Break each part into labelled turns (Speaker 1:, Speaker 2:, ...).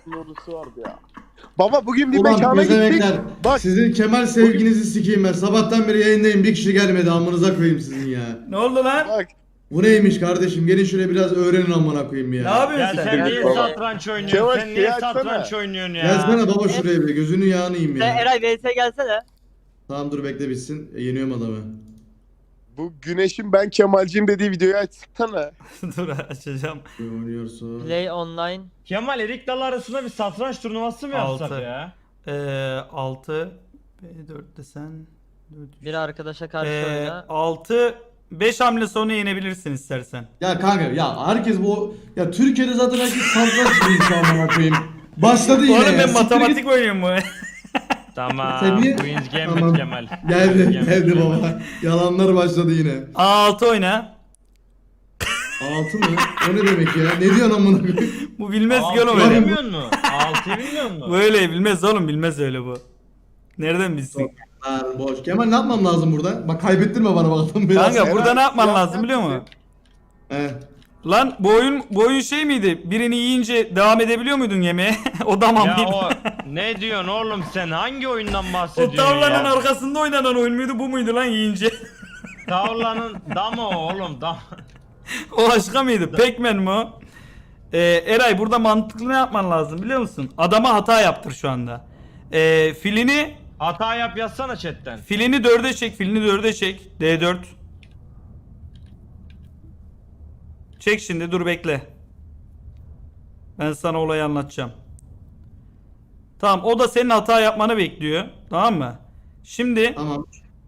Speaker 1: ordusu vardı ya. Baba bugün bir
Speaker 2: Ulan
Speaker 1: mekana gittik.
Speaker 2: bezemekler.
Speaker 1: Bak
Speaker 2: Sizin Kemal sevginizi sikeyim ben. Sabahtan beri yayındayım. Bir kişi gelmedi. Amınıza koyayım sizin ya.
Speaker 3: Ne oldu lan?
Speaker 1: bak.
Speaker 2: Bu neymiş kardeşim? Gelin şuraya biraz öğrenin amına koyayım ya.
Speaker 3: Ne yapıyorsun
Speaker 4: Ya
Speaker 3: sen?
Speaker 4: sen niye
Speaker 1: Baba.
Speaker 4: satranç oynuyorsun?
Speaker 1: Kemal,
Speaker 4: Sen niye
Speaker 1: şey açsana.
Speaker 4: satranç oynuyorsun ya?
Speaker 2: Gelsene baba şuraya bir. Gözünü yağını yiyeyim ya.
Speaker 5: Eray vs gelsene.
Speaker 2: Tamam dur bekle bitsin. Yeniyorum adamı.
Speaker 1: Bu Güneş'in ben Kemalciyim dediği videoyu açsana.
Speaker 3: Dur açacağım.
Speaker 2: Oynuyorsun.
Speaker 5: Play online.
Speaker 4: Kemal Erik Dalı arasında bir satranç turnuvası mı yapsak
Speaker 3: Altı.
Speaker 4: ya?
Speaker 3: 6 B4 desen 4
Speaker 5: Bir arkadaşa karşı oyna.
Speaker 3: 6 5 hamle sonra yenebilirsin istersen.
Speaker 2: Ya kanka ya herkes bu ya Türkiye'de zaten herkes satranç biliyor şu an amına koyayım. Başladı yine
Speaker 3: Oğlum
Speaker 2: ya.
Speaker 3: ben
Speaker 2: Siktir
Speaker 3: matematik
Speaker 2: git.
Speaker 3: oynuyorum bu.
Speaker 4: Tamam.
Speaker 2: Sen niye-
Speaker 4: Queen's Gambit
Speaker 2: Tamam.
Speaker 4: Kemal.
Speaker 2: Geldi
Speaker 4: Queen's Gambit
Speaker 2: geldi
Speaker 4: Kemal.
Speaker 2: baba. Yalanlar başladı yine.
Speaker 3: A6 oyna.
Speaker 2: 6 mı? O ne demek ya? Ne diyorsun amına koyayım?
Speaker 3: Bu bilmez ki oğlum
Speaker 4: Altıyı
Speaker 3: öyle.
Speaker 4: bilmiyor musun? 6'yı bilmiyor musun?
Speaker 3: Böyle bilmez oğlum, bilmez öyle bu. Nereden bilsin?
Speaker 2: Lan boş. Kemal ne yapmam lazım burada? Bak kaybettirme bana bak adam biraz.
Speaker 3: Kanka burada ne yapman
Speaker 1: Yapma
Speaker 3: lazım biliyor musun?
Speaker 2: He.
Speaker 3: Lan bu oyun şey miydi? Birini yiyince devam edebiliyor muydun yemeğe? O da mı?
Speaker 4: Ya o ne diyorsun oğlum sen? Hangi oyundan
Speaker 3: O
Speaker 4: bahsediyorsun
Speaker 3: tavlanın
Speaker 4: ya?
Speaker 3: arkasında oynanan oyun muydu, bu muydu lan yiyince?
Speaker 4: Tavlanın damı oğlum dam.
Speaker 3: O başka mıydı? Pac-Man mi o? Eray burada mantıklı ne yapman lazım biliyor musun? Adama hata yaptır şu anda. Filini
Speaker 4: Hata yap yazsana chatten.
Speaker 3: 4'e çek, filini 4'e çek. D4. Çek şimdi, dur bekle. Ben sana olayı anlatacağım. Tamam, o da senin hata yapmanı bekliyor. Tamam mı? Şimdi
Speaker 2: Tamam.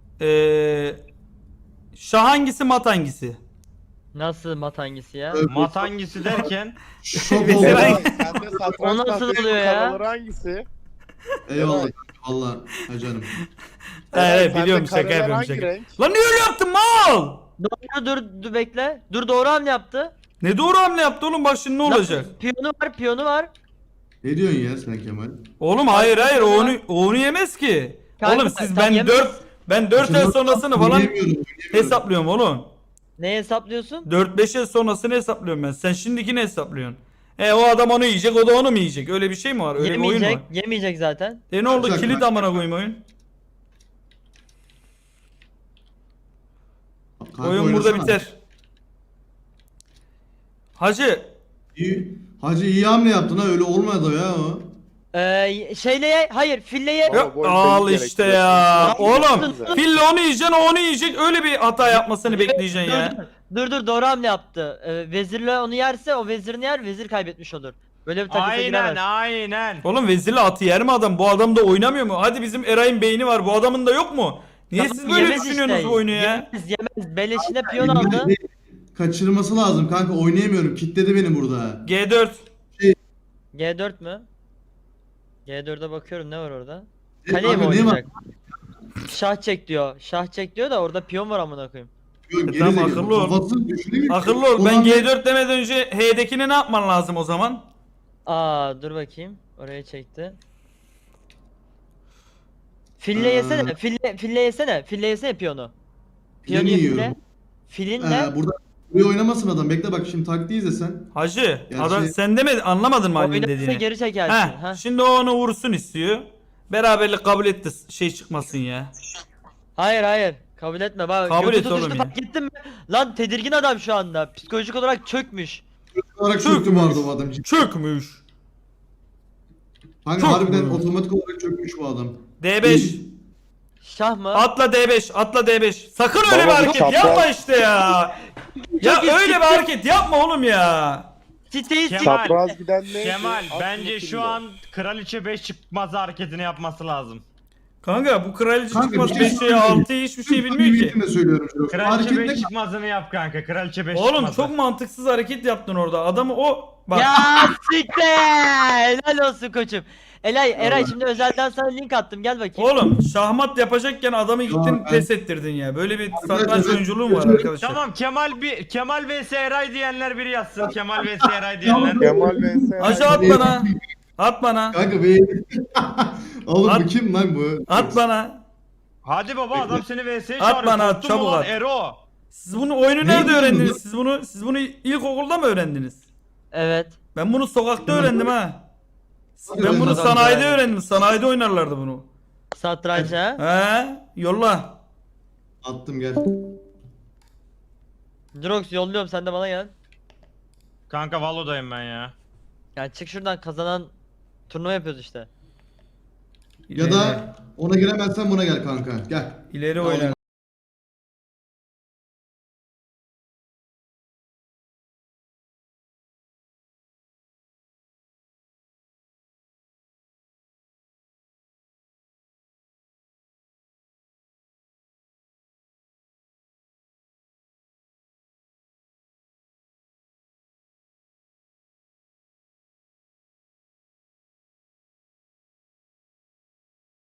Speaker 3: şah hangisi, mat hangisi?
Speaker 5: Nasıl mat hangisi ya?
Speaker 4: Mat hangisi derken?
Speaker 2: Şok
Speaker 3: Mesela-
Speaker 2: oldum.
Speaker 1: Sende satranç
Speaker 5: O nasıl
Speaker 1: tahtası
Speaker 5: oluyor ya?
Speaker 1: karaları hangisi?
Speaker 2: Eyvallah. Valla. Ha canım.
Speaker 3: Evet,
Speaker 1: Sende
Speaker 3: biliyorum, şaka
Speaker 1: kareler
Speaker 3: yapıyorum,
Speaker 1: hangi
Speaker 3: şaka.
Speaker 1: renk?
Speaker 3: Lan niye öyle yaptın mal?
Speaker 5: Doğru dur bekle. Dur doğru hamle yaptı.
Speaker 3: Ne doğru hamle yaptı oğlum, bak şimdi ne olacak?
Speaker 5: Lan, piyonu var.
Speaker 2: Ne diyorsun ya sen Kemal?
Speaker 3: Oğlum hayır o onu yemez ki.
Speaker 5: Kanka,
Speaker 3: Oğlum siz
Speaker 5: sen
Speaker 3: ben
Speaker 5: yemez.
Speaker 3: 4 el sonrasını falan
Speaker 2: Oynayamıyorum.
Speaker 3: hesaplıyorum oğlum.
Speaker 5: Ne hesaplıyorsun?
Speaker 3: 4-5 el sonrasını hesaplıyorum ben. Sen şimdikini hesaplıyorsun. O adam onu yiyecek, o da onu mu yiyecek? Öyle bir şey mi var? Öyle bir oyun mu
Speaker 5: Yemeyecek.
Speaker 3: var?
Speaker 5: Yemeyecek zaten.
Speaker 3: Ne oldu?
Speaker 2: Bak,
Speaker 3: Kilit
Speaker 2: bak.
Speaker 3: amına koyayım oyun.
Speaker 2: Kanka
Speaker 3: Oyun burada
Speaker 2: oynasana.
Speaker 3: biter. Hacı,
Speaker 2: İyi. Hacı iyi hamle yaptın ha öyle olmadı ya o.
Speaker 5: Hayır filleye.
Speaker 1: Baba,
Speaker 3: yok
Speaker 1: bu oyun
Speaker 3: al
Speaker 1: benim
Speaker 3: işte
Speaker 1: gerekiyor.
Speaker 3: ya.
Speaker 1: Çok
Speaker 3: Oğlum
Speaker 1: güzel.
Speaker 3: fille onu yiyeceksin, o onu yiyecek. Öyle bir hata yapmasını bekleyeceksin ya.
Speaker 5: Dur doğru hamle yaptı. Vezirle onu yerse o vezirini yer, vezir kaybetmiş olur. Böyle bir takısa
Speaker 4: Aynen
Speaker 5: giremez.
Speaker 4: aynen.
Speaker 3: Oğlum vezirle atı yer mi adam? Bu adam da oynamıyor mu? Hadi bizim Eray'ın beyni var. Bu adamın da yok mu? Niye
Speaker 5: Tamam,
Speaker 3: siz böyle
Speaker 5: yemez
Speaker 3: düşünüyorsunuz
Speaker 5: işte.
Speaker 3: bu oyunu ya?
Speaker 5: Yemez. Beleşine piyon aldı.
Speaker 2: Kaçırması lazım kanka oynayamıyorum. Kitledi beni burada.
Speaker 3: G4.
Speaker 5: G4 mü? G4'e bakıyorum ne var orada?
Speaker 2: E,
Speaker 5: Kaleye mi
Speaker 2: kanka, ne var?
Speaker 5: oynayacak? Şah çek diyor. Şah çek diyor da orada piyon var amına koyayım.
Speaker 2: Yok,
Speaker 3: Tamam,
Speaker 2: gerizekalı.
Speaker 3: akıllı ol.
Speaker 2: Kafası düşünemiyor.
Speaker 3: Akıllı ol. Ben
Speaker 2: Ulan
Speaker 3: G4 demeden önce H'dekine ne yapman lazım o zaman?
Speaker 5: Dur bakayım. Oraya çekti. Fille yesene. Fille yesene. Fille yesene piyonu. Piyonu
Speaker 2: Yeni
Speaker 5: ye
Speaker 2: yiyorum.
Speaker 5: fille. Filinle
Speaker 2: Burada buraya oynamasın adam. Bekle bak şimdi taktiği izlesen.
Speaker 3: Hacı,
Speaker 2: Gerçi-
Speaker 3: adam sen demedin, anlamadın mı annenin
Speaker 5: oynarsa
Speaker 3: dediğini?
Speaker 5: geri çekersin.
Speaker 3: Heh,
Speaker 5: Ha.
Speaker 3: şimdi o onu vursun istiyor. Beraberlik kabul etti, şey çıkmasın ya.
Speaker 5: Hayır. Kabul etme. Bak,
Speaker 3: Kabul
Speaker 5: götü
Speaker 3: et oğlum
Speaker 5: tutuştu,
Speaker 3: ya.
Speaker 5: fark ettin mi? Lan tedirgin adam şu anda. Psikolojik olarak çökmüş.
Speaker 2: Olarak
Speaker 3: Çökmüş.
Speaker 2: çöktü vardı bu adam.
Speaker 3: Çökmüş.
Speaker 2: Kanka
Speaker 3: Çok
Speaker 2: harbiden
Speaker 3: mu?
Speaker 2: otomatik olarak çökmüş bu adam.
Speaker 3: D5.
Speaker 5: Şah mı?
Speaker 3: Atla D5, atla D5. Sakın öyle
Speaker 1: Baba,
Speaker 3: bir
Speaker 1: bu
Speaker 3: hareket
Speaker 1: çapraz-
Speaker 3: yapma işte ya. Ya
Speaker 5: Çok
Speaker 3: öyle bir hareket yapma oğlum ya.
Speaker 5: Siteyi
Speaker 4: Kemal.
Speaker 1: Çapraz giden ne?
Speaker 4: Kemal
Speaker 1: At
Speaker 4: bence
Speaker 1: bakayım
Speaker 4: şu
Speaker 1: ya.
Speaker 4: an kraliçe 5 çıkmaz hareketini yapması lazım.
Speaker 3: Kanka bu kraliçe
Speaker 2: Kanka,
Speaker 3: çıkmaz
Speaker 2: bir şey
Speaker 3: 5'e
Speaker 2: söyleyeyim.
Speaker 3: 6'ya hiçbir şey bilmiyor ki.
Speaker 2: Samimiyetimle söylüyorum. şu.
Speaker 4: Kraliçe
Speaker 2: Hareket
Speaker 4: 5
Speaker 2: ne?
Speaker 4: çıkmazını yap kanka. Kraliçe 5
Speaker 3: Oğlum
Speaker 4: çıkmazı.
Speaker 3: çok mantıksız hareket yaptın orada. Adamı o bak.
Speaker 5: Ya siktir! Helal olsun koçum. Eray şimdi özelden sana link attım gel bakayım.
Speaker 3: Oğlum şahmat yapacakken adamı gittin
Speaker 2: ben-
Speaker 3: pes ettirdin ya. Böyle bir
Speaker 2: Arkadaşlar,
Speaker 3: satranç
Speaker 2: ben-
Speaker 3: oyunculuğu mu var arkadaşlar?
Speaker 4: Tamam Kemal vs Eray diyenler biri yazsın. Kemal vs Eray diyenler.
Speaker 1: Kemal vs.
Speaker 3: Hacı at bana. At bana.
Speaker 2: Kanka be. Oğlum
Speaker 3: At-
Speaker 2: bu kim lan bu?
Speaker 3: At bana.
Speaker 4: Hadi baba adam seni vs'ye
Speaker 3: At
Speaker 4: çağırıyor.
Speaker 3: bana, at,
Speaker 4: Korktun mu
Speaker 3: çabuk
Speaker 4: lan
Speaker 3: at.
Speaker 4: Ero.
Speaker 3: Siz bunu oyunu
Speaker 2: Ne
Speaker 3: nerede
Speaker 2: diyorsun
Speaker 3: öğrendiniz?
Speaker 2: bu?
Speaker 3: Siz bunu ilkokulda mı öğrendiniz?
Speaker 5: Evet.
Speaker 3: Ben bunu sokakta öğrendim ha. Ben bunu
Speaker 2: Satranç.
Speaker 3: sanayide öğrendim. Sanayide oynarlardı bunu.
Speaker 5: Satranç ha.
Speaker 3: He, yolla.
Speaker 2: Attım gel.
Speaker 5: Drox yolluyorum sen de bana gel.
Speaker 4: Kanka Valo'dayım ben ya.
Speaker 5: Yani çık şuradan kazanan turnuva yapıyoruz işte.
Speaker 2: Ya da ona giremezsen buna gel kanka. Gel.
Speaker 3: ileri
Speaker 2: Tamam.
Speaker 3: oynar.